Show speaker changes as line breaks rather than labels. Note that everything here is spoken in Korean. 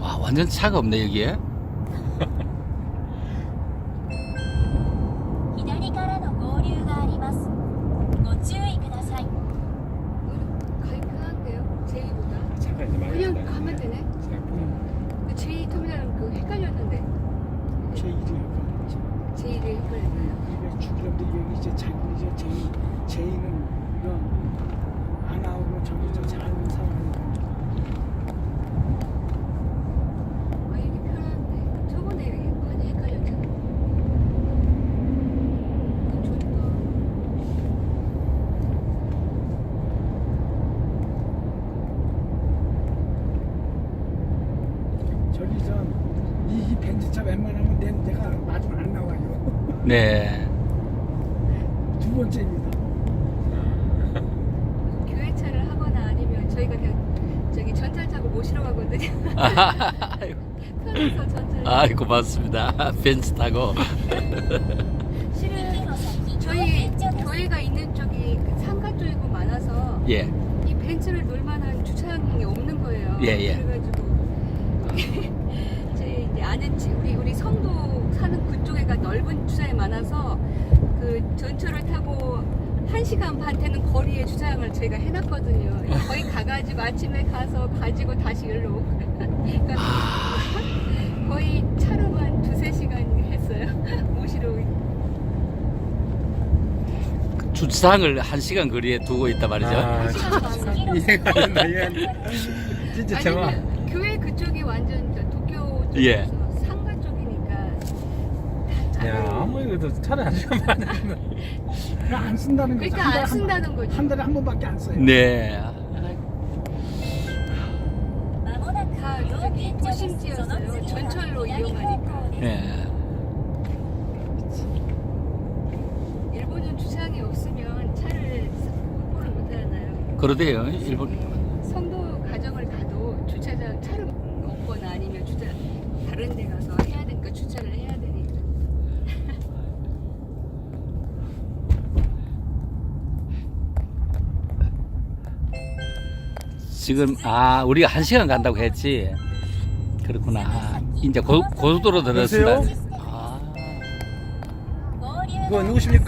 와, 완전 차가 없네 여기에.
左からの合流があります。ご注意ください。
가기 편한데요? 제이보다.
차가 이제 많이
그냥
간다.
가면 되네.
생각보다.
그 제이 터미널은 그 헷갈렸는데.
제 이름이
제이를 헷갈렸나요?
이게 죽이는데 여기 이제 자기 이제 제이는 이거 안 나오고 저기 저 잘하는 사람이니까.
아 이게 편한데. 저번에 많이 헷갈렸잖아. 좋다.
저기 이 벤츠차 웬만하면 내가 마지막 안 나와요.
네.
두 번째입니다.
교회차를 하거나 아니면 저희가 그냥 저기 전철 타고 모시러 가거든요. 편해서 전철.
아, 고맙습니다. 벤츠 타고.
실은 저희 교회가 있는 쪽이 그 상가 쪽이고 많아서
예.
이 벤츠를 놀 만한 주차장이 없는 거예요.
예, 예.
그래가지고 제 이제 아는 우리 성도 사는 그쪽에가 넓은 주차장이 많아서 그 전철을 타고 1시간 반 되는 거리에 주차장을 저희가 해놨거든요. 거기 가가지고 아침에 가서 가지고 다시 일로 오고. 그러니까 거의 차로만 2-3시간 했어요. 모시러 오기.
주차장을 1시간 거리에 두고 있단 말이죠.
아, 이해가 안 된다. 진짜 제가
아니면 교회 그쪽이 완전 저 도쿄 쪽에서
예.
상가 쪽이니까 다
야
차로.
아무리 그래도 차를 안 쓰면 안 되는. 안 쓴다는 거죠.
그러니까 안 쓴다는 거죠.
한 달에 한 번밖에 안 써요.
네.
まもなく
다
料
저기
金所です。その
도심지였어요.
次は
전철로
左方
이용하니까.
向です。
예.
일본은 주차장이 없으면 차를 확보를 못하잖아요.
그러대요. 일본.
성도 가정을 가도 주차장 차를 없거나 아니면 다른 데 가서 해야 되니까 주차를 해야 되니까.
지금 우리가 1시간 간다고 했지. 그렇구나. 이제 고속도로 들었습니다.
여보세요?
아.
合流が
그거 누구십니까?